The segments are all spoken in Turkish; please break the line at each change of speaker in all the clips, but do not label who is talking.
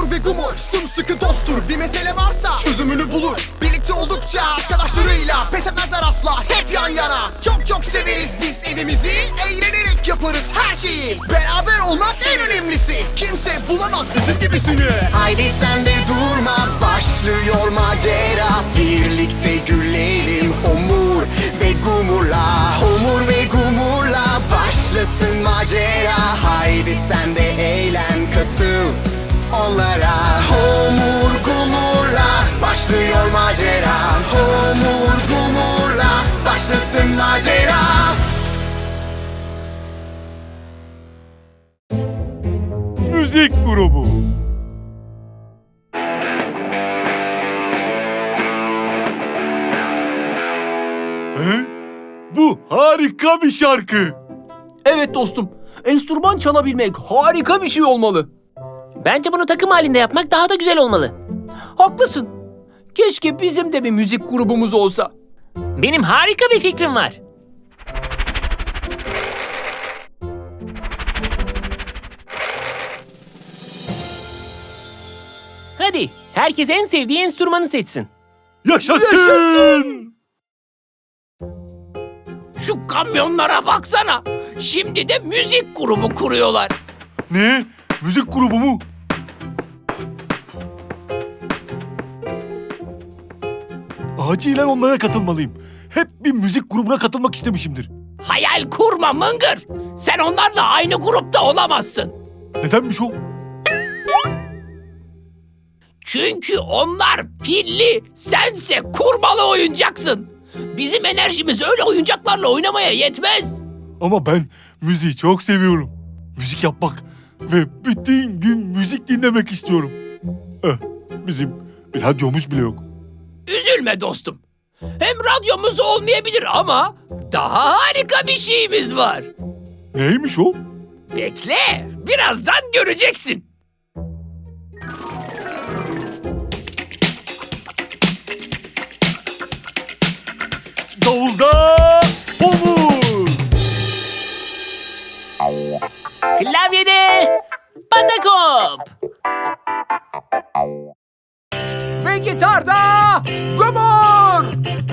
Homur ve Gumur sımsıkı dosttur. Bir mesele varsa çözümünü bulur. Birlikte oldukça arkadaşlarıyla pes etmezler asla, hep yan yana. Çok çok severiz biz evimizi, eğlenerek yaparız her şeyi. Beraber olmak en önemlisi, kimse bulamaz bizim gibisini. Haydi sen de durma, başlıyor macera. Birlikte gülelim Homur ve Gumur'la. Homur ve Gumur'la başlasın macera. Haydi sen de eğlen, katıl onlara. Homur Gumur'la başlıyor macera. Homur Gumur'la başlasın macera.
Müzik grubu. Bu harika bir şarkı.
Evet dostum, enstrüman çalabilmek harika bir şey olmalı.
Bence bunu takım halinde yapmak daha da güzel olmalı.
Haklısın. Keşke bizim de bir müzik grubumuz olsa.
Benim harika bir fikrim var. Hadi, herkes en sevdiği enstrümanı seçsin.
Yaşasın!
Şu kamyonlara baksana. Şimdi de müzik grubu kuruyorlar.
Ne? Müzik grubu mu? Acilen onlara katılmalıyım. Hep bir müzik grubuna katılmak istemişimdir.
Hayal kurma Mıngır. Sen onlarla aynı grupta olamazsın.
Nedenmiş o?
Çünkü onlar pilli, sense kurmalı oyuncaksın. Bizim enerjimiz öyle oyuncaklarla oynamaya yetmez.
Ama ben müziği çok seviyorum. Müzik yapmak ve bütün gün müzik dinlemek istiyorum. Bizim bir radyomuz bile yok.
Üzülme dostum. Hem radyomuz olmayabilir ama daha harika bir şeyimiz var.
Neymiş o?
Bekle, birazdan göreceksin.
Davulda Homur!
Klavyede Patakop!
Ve gitarda Gumur!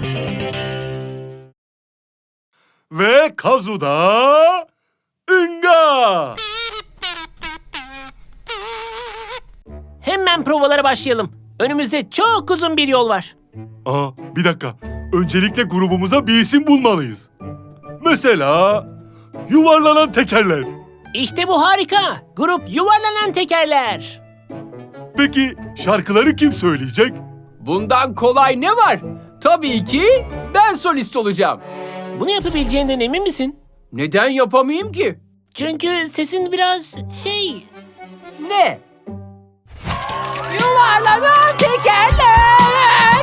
Ve kazuda Inga!
Hemen provalara başlayalım. Önümüzde çok uzun bir yol var.
Bir dakika. Öncelikle grubumuza bir isim bulmalıyız. Mesela yuvarlanan tekerler.
İşte bu harika. Grup Yuvarlanan Tekerler.
Peki şarkıları kim söyleyecek?
Bundan kolay ne var? Tabii ki ben solist olacağım.
Bunu yapabileceğinden emin misin?
Neden yapamayayım ki?
Çünkü sesin biraz
Ne? Yuvarlanan tekerler!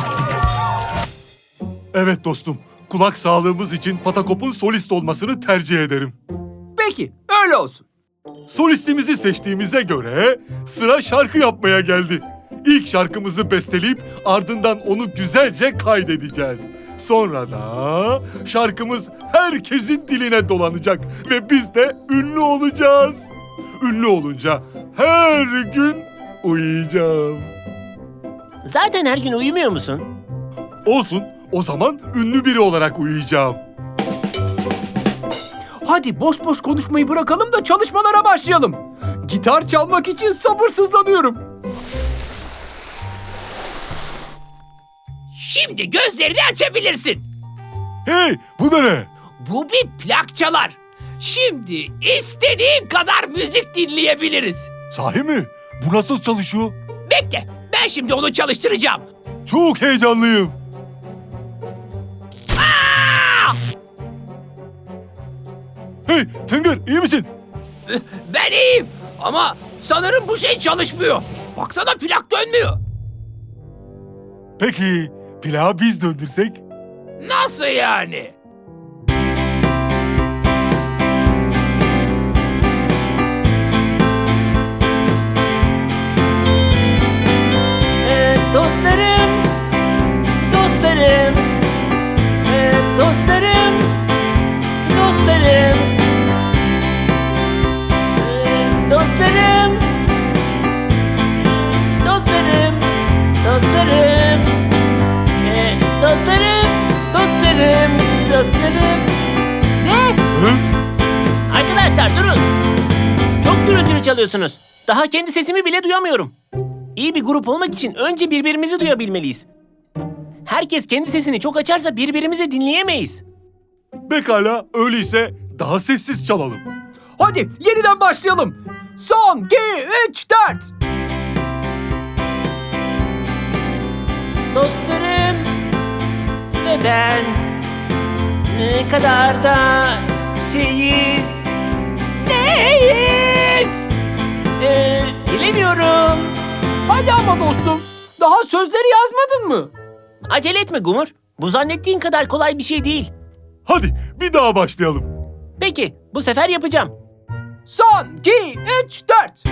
Evet dostum. Kulak sağlığımız için Patakop'un solist olmasını tercih ederim.
Peki, öyle olsun.
Solistimizi seçtiğimize göre sıra şarkı yapmaya geldi. İlk şarkımızı besteleyip ardından onu güzelce kaydedeceğiz. Sonra da şarkımız herkesin diline dolanacak ve biz de ünlü olacağız. Ünlü olunca her gün uyuyacağım.
Zaten her gün uyumuyor musun?
Olsun, o zaman ünlü biri olarak uyuyacağım.
Hadi boş boş konuşmayı bırakalım da çalışmalara başlayalım. Gitar çalmak için sabırsızlanıyorum.
Şimdi gözlerini açabilirsin.
Hey, bu da ne?
Bu bir plak çalar. Şimdi istediğin kadar müzik dinleyebiliriz.
Sahi mi? Bu nasıl çalışıyor?
Bekle, ben şimdi onu çalıştıracağım.
Çok heyecanlıyım. Hey, Tıngır, iyi misin?
Ben iyiyim ama sanırım bu şey çalışmıyor. Baksana plak dönmüyor.
Peki, plağı biz döndürsek?
Nasıl yani?
Dostlarım, dostlarım, dostlarım, dostlarım, dostlarım, çalıyorsunuz? Daha kendi sesimi bile duyamıyorum. İyi bir grup olmak için önce birbirimizi duyabilmeliyiz. Herkes kendi sesini çok açarsa birbirimizi dinleyemeyiz.
Pekala, öyleyse daha sessiz çalalım.
Hadi yeniden başlayalım. Son, 2, 3, 4.
Dostlarım ve ben ne kadar da şeyiz.
Neyiz?
Bilemiyorum.
Hadi ama dostum. Daha sözleri yazmadın mı?
Acele etme Gumur. Bu zannettiğin kadar kolay bir şey değil.
Hadi bir daha başlayalım.
Peki, bu sefer yapacağım.
Son, 2, 3, 4.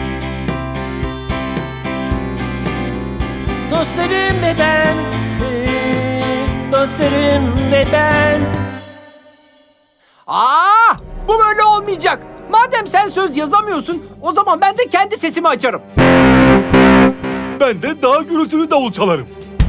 Dostlarım ve ben, dostlarım ve ben.
Bu böyle olmayacak. Madem sen söz yazamıyorsun, o zaman ben de kendi sesimi açarım.
Ben de daha gürültülü davul çalarım.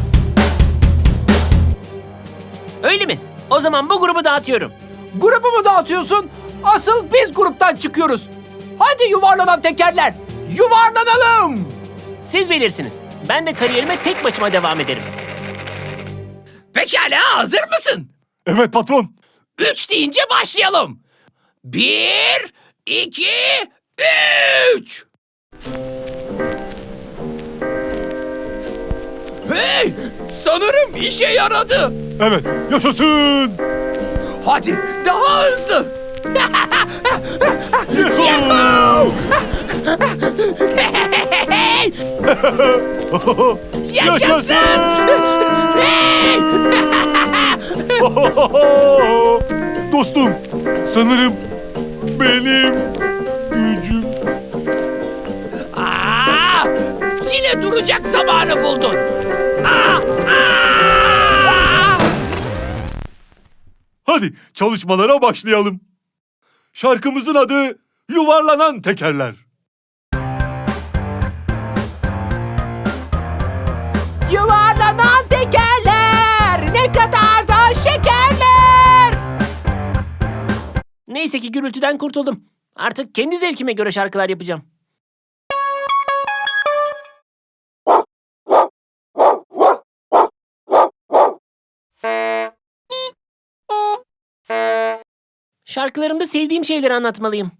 Öyle mi? O zaman bu grubu dağıtıyorum.
Grubu mu dağıtıyorsun? Asıl biz gruptan çıkıyoruz. Hadi yuvarlanan tekerler, yuvarlanalım.
Siz bilirsiniz. Ben de kariyerime tek başıma devam ederim.
Pekala, hazır mısın?
Evet patron.
3 deyince başlayalım. 1, 2, 3. Hey! Sanırım işe yaradı.
Evet, yaşasın.
Hadi daha hızlı.
Yuhuu!
Hey! Yaşasın! Hey!
Dostum, sanırım benim gücüm...
Aa! Yine duracak zamanı buldun. Aa! Aa!
Hadi çalışmalara başlayalım. Şarkımızın adı Yuvarlanan Tekerler.
Yuvarlanan tekerler, ne kadar da şekerler.
Neyse ki gürültüden kurtuldum. Artık kendi zevkime göre şarkılar yapacağım. Şarkılarımda sevdiğim şeyleri anlatmalıyım.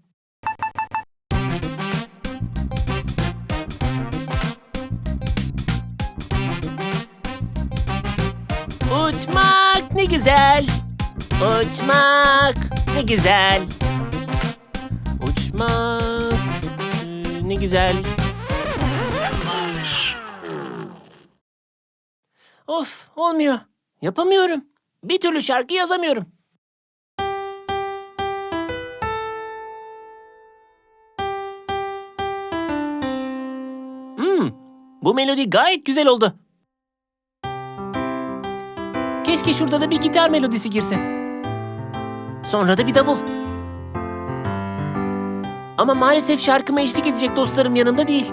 Uçmak ne güzel. Uçmak ne güzel. Uçmak ne güzel. Of, olmuyor. Yapamıyorum. Bir türlü şarkı yazamıyorum. Bu melodi gayet güzel oldu. Keşke şurada da bir gitar melodisi girse. Sonra da bir davul. Ama maalesef şarkıma eşlik edecek dostlarım yanımda değil.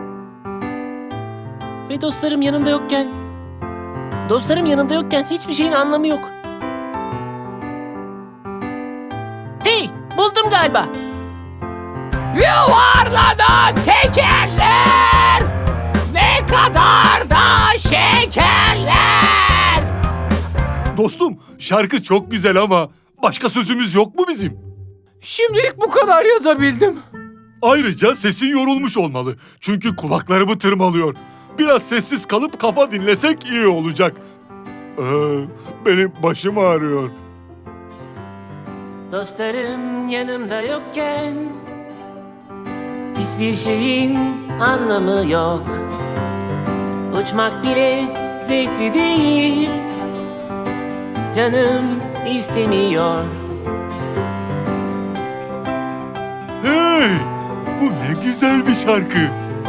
Ve dostlarım yanımda yokken hiçbir şeyin anlamı yok. Hey, buldum galiba.
Yuvarlanan tekerler, ne kadar da şekerler.
Dostum, şarkı çok güzel ama başka sözümüz yok mu bizim?
Şimdilik bu kadar yazabildim.
Ayrıca sesin yorulmuş olmalı. Çünkü kulaklarımı tırmalıyor. Biraz sessiz kalıp kafa dinlesek iyi olacak. Benim başım ağrıyor.
Dostlarım yanımda yokken hiçbir şeyin anlamı yok. Uçmak bile zevkli değil. Canım istemiyor.
Hey! Bu ne güzel bir şarkı.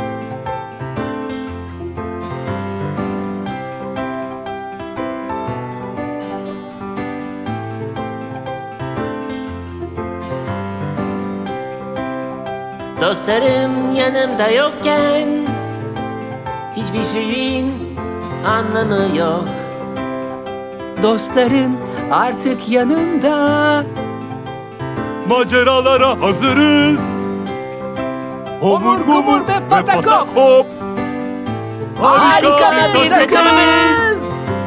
Dostlarım yanımda yokken hiçbir şeyin anlamı yok.
Dostların artık yanımda.
Maceralara hazırız. Homur Gumur ve Patakop.
Harika bir takımız.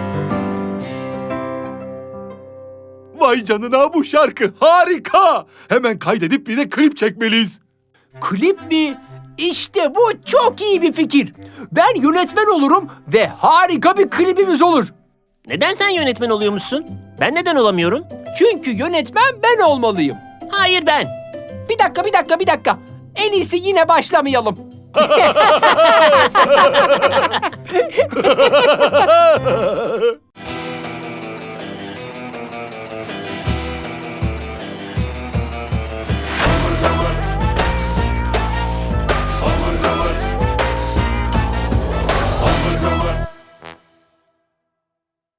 Vay canına, bu şarkı harika. Hemen kaydedip bir de klip çekmeliyiz.
Klip mi? İşte bu çok iyi bir fikir. Ben yönetmen olurum ve harika bir klibimiz olur.
Neden sen yönetmen oluyormuşsun? Ben neden olamıyorum?
Çünkü yönetmen ben olmalıyım.
Hayır ben.
Bir dakika. En iyisi yine başlamayalım.